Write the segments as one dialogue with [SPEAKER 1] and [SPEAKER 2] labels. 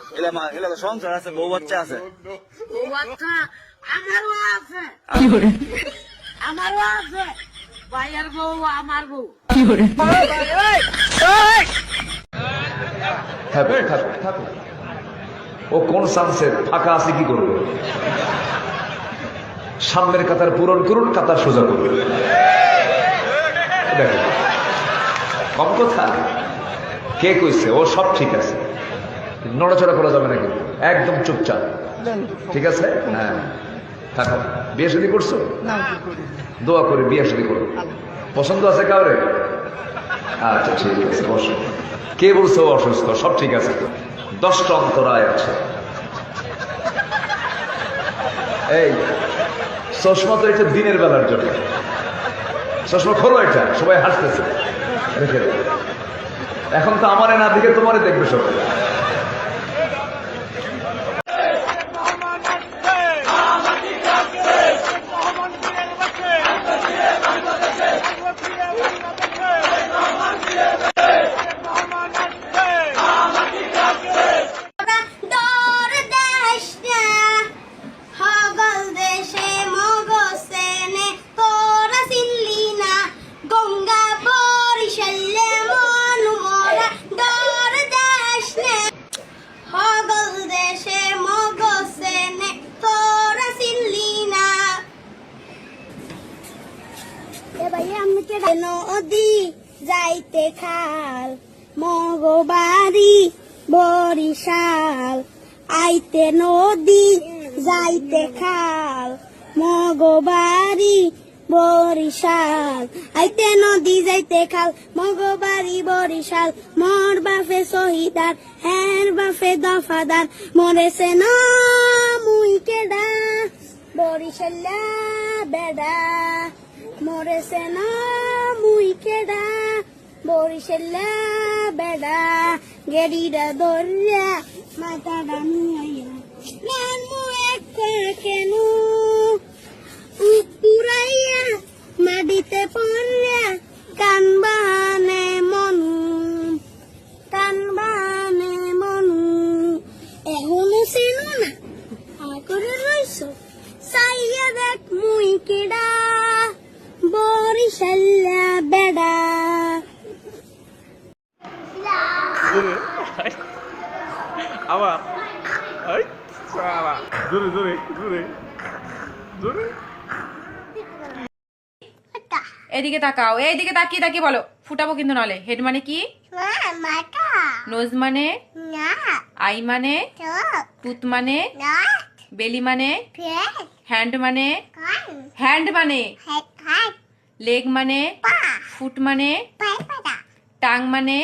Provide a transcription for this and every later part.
[SPEAKER 1] এলা সংসার আছে, বউ বাচ্চা আছে।
[SPEAKER 2] বউ বাচ্চা আমারও আছে, আমারও আছে। ভাইয়ের বউ আমার বউ।
[SPEAKER 3] ও কোন সানসেট ফাঁকা আছে কি করবে? সামনের কাতার পূরণ করুন, কাতার সোজা করুন। কম কথা কে কইছে? ও সব ঠিক আছে, নড়াচড়া করা যাবে না কিন্তু, একদম চুপচাপ। ঠিক আছে? হ্যাঁ থাকা। বিয়ে শাদী করছো? দোয়া করে বিয়ে শাদী করো। পছন্দ আছে কাউরে? আচ্ছা ঠিক আছে, বসো। কে বলছো অসুস্থ? সব ঠিক আছে, 10টা অন্তরায় আছে। এই চশমা তো এটা দিনের বেলার জন্য, চশমা খোলো, এটা সবাই হাসতেছে, রেখে দেবে। এখন তো আমারে না দেখে তোমারে দেখবে সবাই।
[SPEAKER 4] নদী যাইতে খাল, মগবাড়ি বরিশাল। আইতে নদী যাইতে খাল, মগবাড়ি বরিশাল। আইতে নদী যাইতে খাল, মগবাড়ি বরিশাল। মোর বাপে শহীদার, হের বাপে দফাদার। মরেছে না মুই কেডা, বরিশাল্লা বেডা। মরেছে না মুই কেডা, বরিশাল্লা বেডা। গেড়িটা ধরিয়া মাথাটা নুয়াইয়া নানমু এক কেন পুরাইয়া মাটিতে পড়িয়া। কান বাহানে মনু, কান বাহানে মনু। এখনো চেনো না করে রইছ, চাইয়া দেখ মুই কেডা, বরিশাল্লা বেডা।
[SPEAKER 5] আবার জোরে জোরে জোরে জোরে।
[SPEAKER 6] এদিকে তাকাও, এইদিকে তাকিয়ে তাকিয়ে বলো। ফুটাবো কিন্তু নলে। হেড মানে কি? নোজ মানে? আই মানে? টুথ মানে? বেলি মানে? হ্যান্ড মানে? হ্যান্ড মানে? লেগ মানে? ফুট মানে? টাং মানে?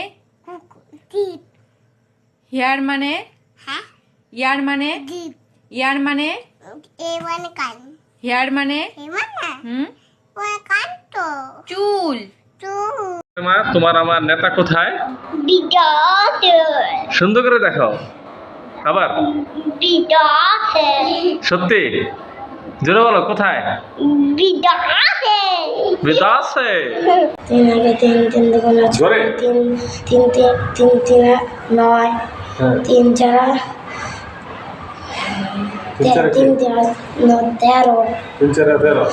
[SPEAKER 6] হেয়ার মানে? ইয়ার মানে? ইয়ার মানে? হেয়ার মানে? চুল।
[SPEAKER 5] তোমার আমার নেতা কোথায়? সুন্দর করে দেখাও আবার। সত্যি জোরে বলো, কোথায়? বিদাসে।
[SPEAKER 4] তিন আগে তিন, তিন দুগুণে
[SPEAKER 5] জোরে।
[SPEAKER 4] তিন, তিন তিন তিন তিনে 9, তিন চারা তিন তিন 13,
[SPEAKER 5] 3 4 13,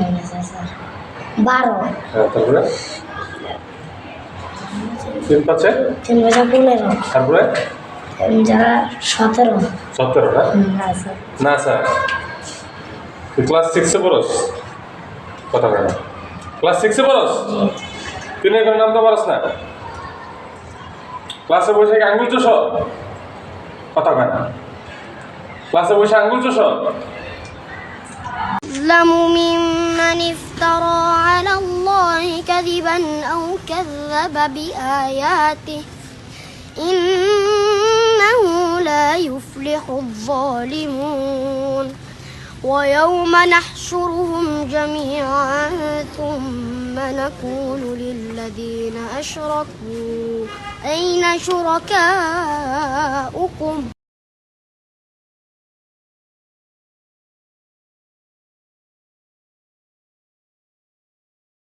[SPEAKER 4] 12,
[SPEAKER 5] তারপরে 3 5
[SPEAKER 4] তিন 15,
[SPEAKER 5] তারপরে
[SPEAKER 4] 3 চারা 17,
[SPEAKER 5] 17 না স্যার। তুই ক্লাস 6 এ পড়স? কথা বল। ক্লাস 6 এ পড়স? তুই এর নাম তো পারস না? ক্লাসে বসে আঙ্গুল চুষ? কথা বল। ক্লাসে বসে আঙ্গুল চুষ?
[SPEAKER 4] أظلم ممن افترى على الله كذبا أو كذب بآياته إنه لا يفلح الظالمون ويوم نحشرهم جميعا ثم نقول للذين أشركوا أين شركاؤكم